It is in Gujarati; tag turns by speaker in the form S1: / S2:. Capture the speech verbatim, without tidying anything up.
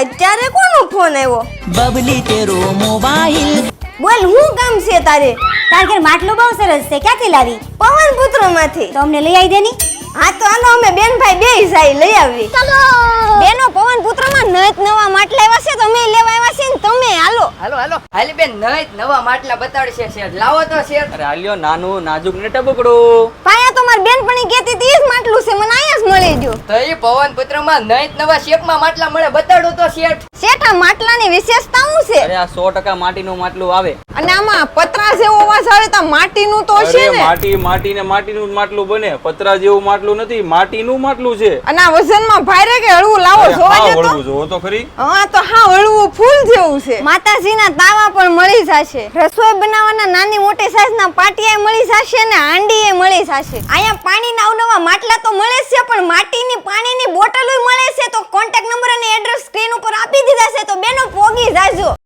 S1: અત્યારે કોનો ફોન આવ્યો?
S2: બબલી તેરો મોબાઈલ.
S1: બોલ, હું કામ છે તારે?
S3: તાર ઘર માટલું બહુ સરસ છે, ક્યાંથી લાવી?
S1: પવન પુત્ર માંથી.
S3: તો અમને લઈ આવી દેની.
S1: હા તો હાલો, અમે બેન ભાઈ બે જાય લઈ આવી.
S3: ચાલો
S1: બેનો, પવન પુત્ર માં નત નવા માટલા આવ્યા છે, તમે લેવા આવ્યા છે ને તમે હાલો.
S4: હાલો હાલો હાલી બેન, નઈ નવા માટલા બતાડશે શેઠ. લાવો તો શેઠ.
S5: અરે આલ્યો નાનું નાજુક ને ટબકડું.
S1: પાયા તો મારી બેનપણી કહેતી હતી ઈ જ માટલું છે, મને આયા જ મળી ગયું.
S4: તો ઈ પવન પુત્ર માં નઈ નવા શેપ માં માટલા મળે, બતાડો તો શેઠ.
S1: શેઠ, આ માટલાની વિશેષતા શું છે?
S5: અરે આ સો ટકા માટીનું માટલું આવે.
S1: અને આમાં પતરા જેવો અવાજ આવે તો માટીનું તો છે
S5: અરે
S1: ને?
S5: માટી માટી ને માટીનું જ માટલું બને, પતરા જેવું માટલું નથી, માટીનું માટલું છે.
S1: અને આ વજનમાં ભારે કે હળવું લાવો
S5: અરે
S1: જોવા
S5: હા,
S1: જતો.
S5: વળવું જોવો તો ખરી.
S1: હા તો હા, હળવું ફૂલ જેવું છે. માતાજીના તાવા પણ મળી જશે, રસોઈ બનાવવાના નાની મોટી સાઈઝના પાટિયા મળી જશે ને હાંડીએ મળી જશે. અહીંયા પાણીના અવનવા માટલા તો મળે જ છે, પણ માટીની પાણીની બોટલોય મળે છે. તો કોન્ટેક્ટ નંબર અને એડ્રેસ સ્ક્રીન ઉપર આપી દીધા છે, તો બેનો પોગી જાજો.